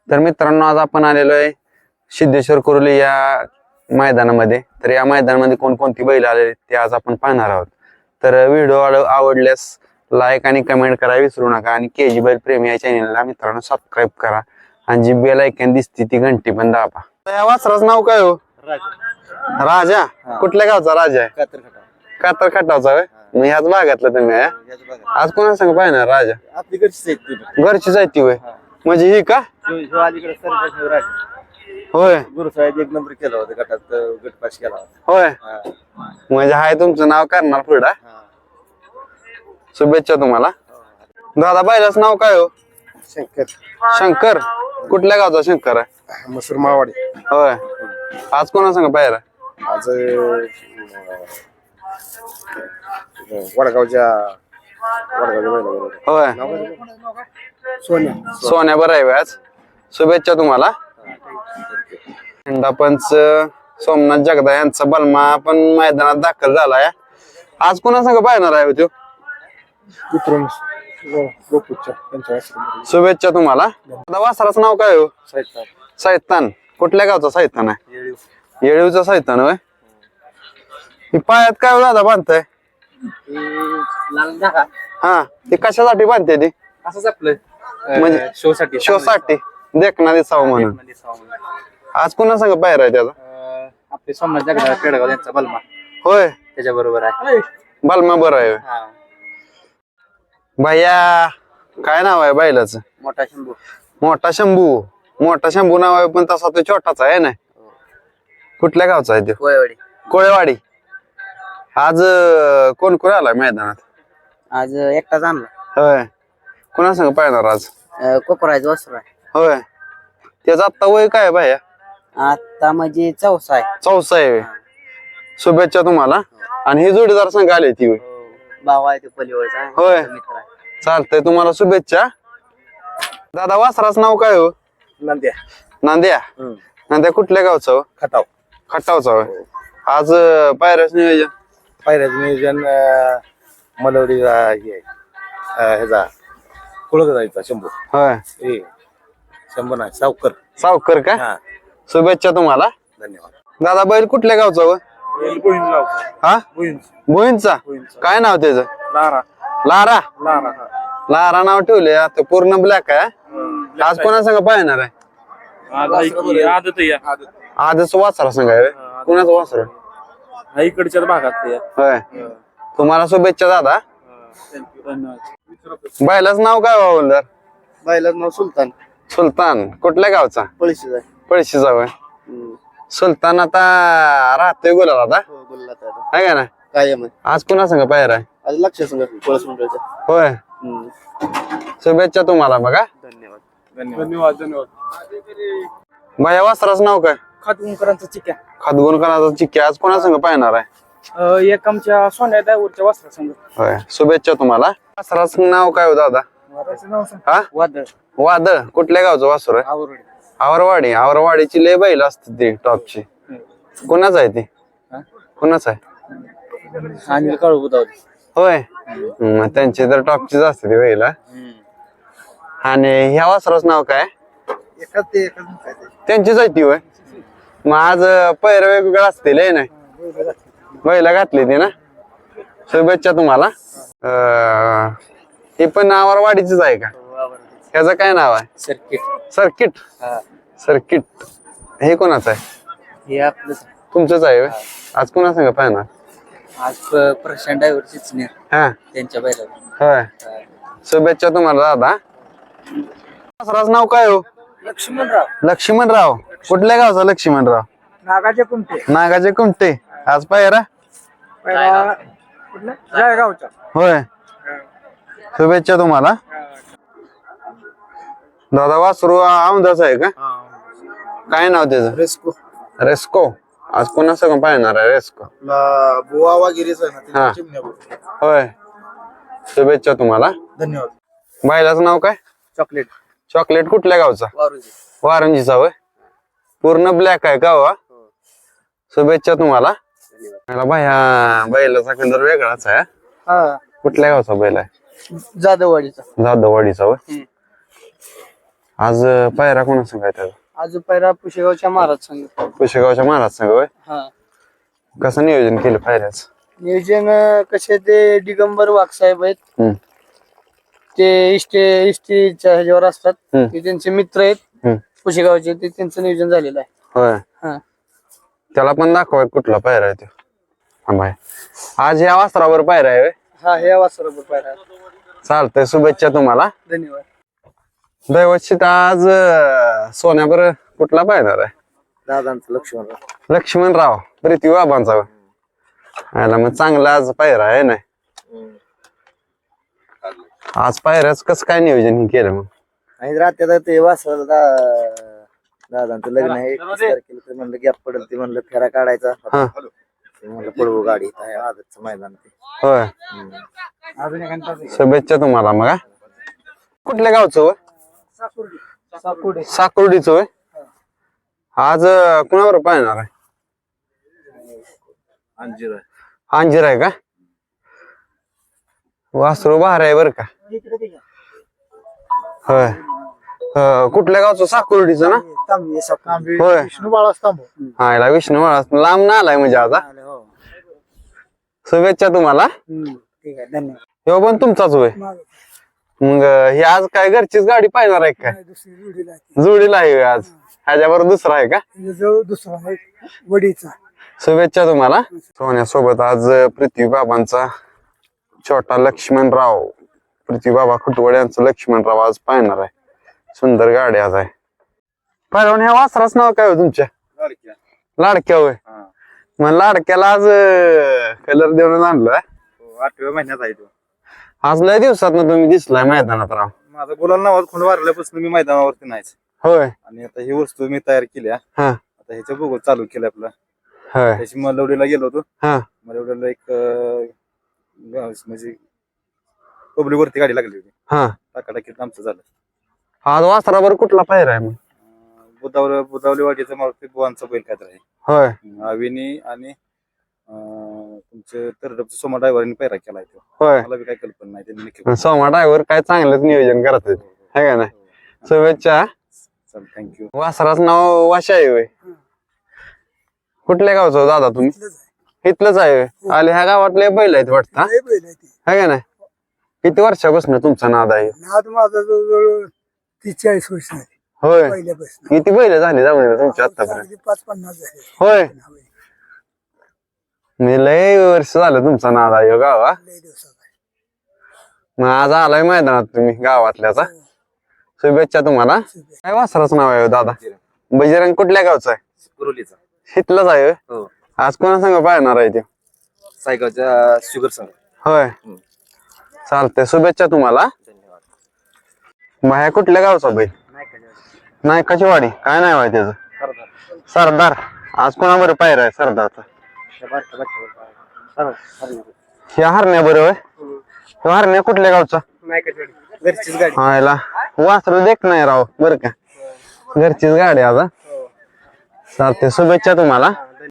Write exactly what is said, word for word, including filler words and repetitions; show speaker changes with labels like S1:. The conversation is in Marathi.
S1: तर मित्रांनो आज आपण आलेलो आहे सिद्धेश्वर कुर्ली या मैदानामध्ये। तर या मैदानामध्ये कोणकोणती बैल आलेली ते आज आपण पाहणार आहोत। तर व्हिडिओ आवडल्यास लाईक आणि कमेंट करायला विसरू नका आणि केजी बैल प्रेमी या चॅनलला मित्रांनो सबस्क्राईब करा आणि जी बेल आयकॉन दिसते ती घंटी पण दाबा। या वासराचं नाव काय हो? राजा। राजा कुठल्या गावचा राजा आहे? कातर खटावचा होय। मग ह्याच भागातला तुम्ही आज कोणा संग पाहणार? राजा
S2: आपली घरची
S1: घरची जायती होय म्हणजे ही का? होय
S2: गुरुसाहेब एक नंबर केला होता गटात गटपास केला होता
S1: होय म्हणजे हाय तुमचं नाव करणार पुढे। शुभेच्छा तुम्हाला दादा। बैलाचं नाव काय हो?
S2: शंकर।
S1: शंकर कुठल्या गावचा शंकर आहे?
S2: मसूर मावाडी
S1: होय आज कोणा संग पाहिला?
S2: आज वडगावच्या वडगावच्या बैलाबरोबर
S1: होय
S2: सोन्या
S1: सोन्या बरं आहे आज। शुभेच्छा तुम्हाला। पंच सोमनाथ जगदा यांचा बलमा पण मैदानात दाखल झालाय। आज कोणा संग पाहणार आहे तो?
S2: विक्रम
S1: शुभेच्छा तुम्हाला। आता वासराचं नाव काय हो? सैतान कुठल्या गावचा सैतान आहे? येळीवचा सैतान होय। ही पायात काय हो दादा बांधताय? हा ती कशासाठी बांधते ती?
S2: असंच आपलं
S1: म्हणजे
S2: शो साठी
S1: शो साठी देखना दिसावं म्हणून। आज कोणा संग पायरा आहे त्याचा?
S2: आपले सोमनाथ जगदा पेडगाव यांचा बलमा
S1: होय
S2: त्याच्या बरोबर आहे।
S1: बलमा बरं आहे भैया। काय नाव आहे बैलाचं?
S2: मोठा शंभू।
S1: मोठा शंभू मोठा शंभू नाव आहे पण तसा तो छोटाचा आहे ना। कुठल्या गावचा आहे तो?
S2: कोळेवाडी।
S1: कोळेवाडी। आज कोण कोण आलाय मैदानात?
S2: आज एकटाच आणला
S1: होय कोणा संग पाहणार आज?
S2: कोपरायचं वस्त्र आहे।
S1: होय त्याचा आत्ता वय काय भैया?
S2: आता म्हणजे चौसा आहे।
S1: चौसा आहे। शुभेच्छा तुम्हाला। आणि ही जोडीदार संघ आली ती होय
S2: भाव आहे ते पलीवरचा
S1: होय
S2: मित्र आहे।
S1: चालतंय तुम्हाला शुभेच्छा दादा। वासराचं नाव काय हो?
S2: नंद्या।
S1: नांद्या नांद्या कुठल्या गावचं हो?
S2: खटाव
S1: खटावचा होय। आज पायऱ्याच नियोजन
S2: पायऱ्याचं नियोजन मलवडीचा हे ह्याचा कुळक जायचा शंभू
S1: होय
S2: ए शंभू नाही सावकर
S1: सावकर का?
S2: हा
S1: शुभेच्छा तुम्हाला।
S2: धन्यवाद
S1: दादा बैल कुठल्या गावचा हो? हा भुईंचा काय नाव त्याचं?
S2: लारा
S1: लारा
S2: लारा
S1: लारा नाव ठेवले आता पूर्ण ब्लॅक आहे। आज कोणा संग पाहणार आहे? आजच वासरा संघ आहे कुणाचं वासर?
S2: इकडच्या भागात
S1: होय तुम्हाला शुभेच्छा दादा। बैलाच नाव काय बाबा?
S2: बैलाचं नाव सुलतान।
S1: सुलतान कुठल्या गावचा?
S2: पळशीच आहे।
S1: पळशीचा होय। सुलतान आता राहतोय गुलाल आता आहे का ना?
S2: कायम
S1: आज कुणा संग पाहिर आहे?
S2: आज लक्ष संघ पळस मंडळाचा
S1: होय शुभेच्छा तुम्हाला बघा।
S2: धन्यवाद धन्यवाद धन्यवाद
S1: भैया वासराचं नाव काय?
S2: खातगुणकरांचा चिक्या।
S1: खातगुणकरांचा चिक्की आज कोणा संग पाहणार आहे?
S2: एक आमच्या सोन्या ड्रायव्हरच्या वस्त्रा संघ।
S1: होय शुभेच्छा तुम्हाला। वासराचं नाव काय हो दादा? हा
S2: वादळ।
S1: वादळ कुठल्या गावचं वासर आहे?
S2: आवरडी।
S1: आवरवाडी आवरवाडीची लय बैल असते ती टॉपची। कोणाच आहे ती? कोणाच आहे?
S2: अनिल काळू बुधावली
S1: होय मग त्यांची तर टॉपचीच असते ती बैल। आणि ह्या वासराचं नाव काय? त्यांचीच आहे ती होय। मग आज पैर वेगवेगळं असतील हे नाही बैला घातली ती ना। शुभेच्छा तुम्हाला। अं ही पण आवरवाडीचीच आहे का? ह्याचं काय नाव आहे?
S2: सर्किट।
S1: सर्किट सर्किट हे कोणाचं आहे?
S2: हे आपलं
S1: तुमचंच आहे होय। आज कोणा संग पाहणार?
S2: आज प्रशांत ड्रायव्हरचीच नाही
S1: हा
S2: त्यांच्या बैला।
S1: होय शुभेच्छा तुम्हाला दादा। वासराचं नाव काय हो?
S2: लक्ष्मणराव।
S1: लक्ष्मणराव कुठल्या गावचा? लक्ष्मणराव
S2: नागाचे कुमटे।
S1: नागाचे कुमटे आज पायरा
S2: जळगावचा
S1: होय शुभेच्छा तुम्हाला दादा। वासरू आमदाच आहे का? काय नाव त्याचं?
S2: रेस्को।
S1: रेस्को आज कोणा संग पाहणार आहे? रेस्को
S2: बुवा वगैरेच आहे
S1: हा
S2: ना।
S1: होय शुभेच्छा तुम्हाला।
S2: धन्यवाद।
S1: बैलाचं नाव काय?
S2: चॉकलेट।
S1: चॉकलेट कुठल्या गावचा?
S2: वारुजी।
S1: वारंजीचा होय पूर्ण ब्लॅक आहे का? वा शुभेच्छा तुम्हाला। भैया बैलाचा कलर वेगळाच आहे।
S2: हा
S1: कुठल्या गावचा बैल आहे?
S2: जाधववाडीचा।
S1: जाधववाडीचा होय आज अं, पायरा कोणा सांगायचं
S3: आज पहिला पुशेगावच्या महाराज संघ.
S1: पुशेगावच्या महाराज संघ होय
S3: हा
S1: कसं नियोजन केलं पायऱ्याच
S3: नियोजन अं, कसे ते दिगंबर वाघसाहेब आहेत.
S1: हम्म.
S3: ते इष्टे इष्टीच्या ह्याच्यावर असतात.
S1: हम्म.
S3: ते त्यांचे मित्र आहेत
S1: हम्म.
S3: पुशेगावचे. ते त्यांचं नियोजन झालेलं आहे.
S1: होय
S3: हा
S1: त्याला पण दाखवाय कुठला पायरा आहे तो हा बाय आज या वासरावर पायरा आहे होय?
S3: हा हे वासरोबर पहिला.
S1: चालतंय शुभेच्छा तुम्हाला
S3: धन्यवाद.
S1: दैवतशीत आज अं, सोन्यावर कुठला पायणार आहे
S2: दादांचं लक्ष्मण
S1: लक्ष्मणराव प्रीती बाबांचा होय. आयला मग चांगला आज पायरा आहे ना आज पायऱ्याच कसं काय नियोजन हे केलं मग
S2: आणि रात्री ते वासराला दा- दादांचं लग्न आहे एकतीस तारखेला तर म्हणलं गॅप पडेल ते म्हणलं फेरा काढायचा
S1: हा
S2: ते म्हणलं पळवू गाडी इथं आहे आजचं मैदान ते
S1: होय शुभेच्छा तुम्हाला मग हा. कुठल्या गावचं होय
S3: साकुर्डी.
S1: साकुर्डीचं होय आज अं, कुणावर पाहणार आहे
S2: अंजीर
S1: अंजीर आहे का वासरू बहार आहे बरं का होय अं, कुठल्या गावचं साकुर्डीचं ना होय
S2: विष्णू बाळा स्तंभ
S1: आयला विष्णू महाराज लांब ना आलाय म्हणजे आता शुभेच्छा तुम्हाला
S3: ठीक आहे धन्यवाद.
S1: हो पण तुमचाच होय मग अं, ही आज काय घरचीच गाडी पाहणार आहे काय जोडीला आहे होय आज ह्याच्यावर दुसरा आहे का
S3: दुसरा आहे वडीचा.
S1: शुभेच्छा तुम्हाला सोन्यासोबत आज अं, पृथ्वी बाबांचा छोटा लक्ष्मणराव पृथ्वी बाबा खुटवड यांचं लक्ष्मणराव आज पाहणार आहे सुंदर गाडी आज आहे पहिलवान ह्या वासराच नाव काय हो तुमच्या लाडक्या होय मग लाडक्याला आज कलर देऊन आणलं
S2: आठव्या महिन्यात आहे तो
S1: आज लय दिवसात ना तुम्ही दिसलाय मैदानात राव
S2: माझा गुलाल नावात खोंड वारल्यापासून मी मैदानावरती नाहीच
S1: होय
S2: आणि आता ही वस्तू मी तयार केली आहे.
S1: हा
S2: आता ह्याच्या बघू चालू केलं आपलं
S1: होय
S2: त्याची मलवडीला गेलो होतो
S1: हा
S2: मलवडीला एक अं, गाव- म्हणजे पब्लिक वरती गाडी लागली होती
S1: हा
S2: टाकाटाकीत आमचं झालं
S1: आज वासरावर कुठला पायरा आहे मग
S2: अं, बुधावलं बुधावली वाडीचा मारुती बुवांचा बैल काय तर आहे
S1: होय
S2: अविनी आणि अं, तुमचे तरडपचं सोमा ड्रायव्हरने पैरा केला तो
S1: होय
S2: मला बी काही कल्पना नाही त्यांनी नक्की
S1: सोमा ड्रायव्हर काय चांगलंच नियोजन करत आहे का नाही शुभेच्छा
S2: चल थँक्यू
S1: वासराचं नाव वाशा आहे होय कुठल्या गावचं हो दादा तुम्ही इथलंच आहे होय? आले ह्या गावातले बैल आहेत वाटतं हा? है का नाही किती वर्षापासून तुमचा नाद आहे
S3: नाद माझा जवळजवळ तीस चाळीस वर्ष झाली
S1: होय
S3: पहिल्यापासून.
S1: किती बैल झाली जाऊन तुमच्या आतापर्यंत
S3: अगदी पाच पन्नास झाले.
S1: होय मी लय वर्ष झालं तुमचा नाद आहे हो गावा
S3: लय दिवसात आहे.
S1: मग आज आलाय मैदानात तुम्ही गावातल्याचा शुभेच्छा तुम्हाला काय वासराचं नाव आहे हो दादा बजरंग कुठल्या गावचं आहे
S2: कुरोलीचा
S1: इथलंच आहे होय?
S2: हो
S1: आज कोणा संग पाहणार आहे ते
S2: सायगावच्या शुगर संघ
S1: होय चालतंय शुभेच्छा तुम्हाला
S2: धन्यवाद
S1: बाहेर कुठल्या गावचा बैल नाही कशी वाडी काय नाही वाय त्याचं सरदार आज कोणाबरोबर पायरा आहे सरदारचा ह्या हरण्या बरोबर ह्या हरण्या कुठल्या गावचा
S3: घरचीच गाडी.
S1: हा याला वासरू देख नाही राव बर का घरचीच गाडी आज हा. चालते शुभेच्छा तुम्हाला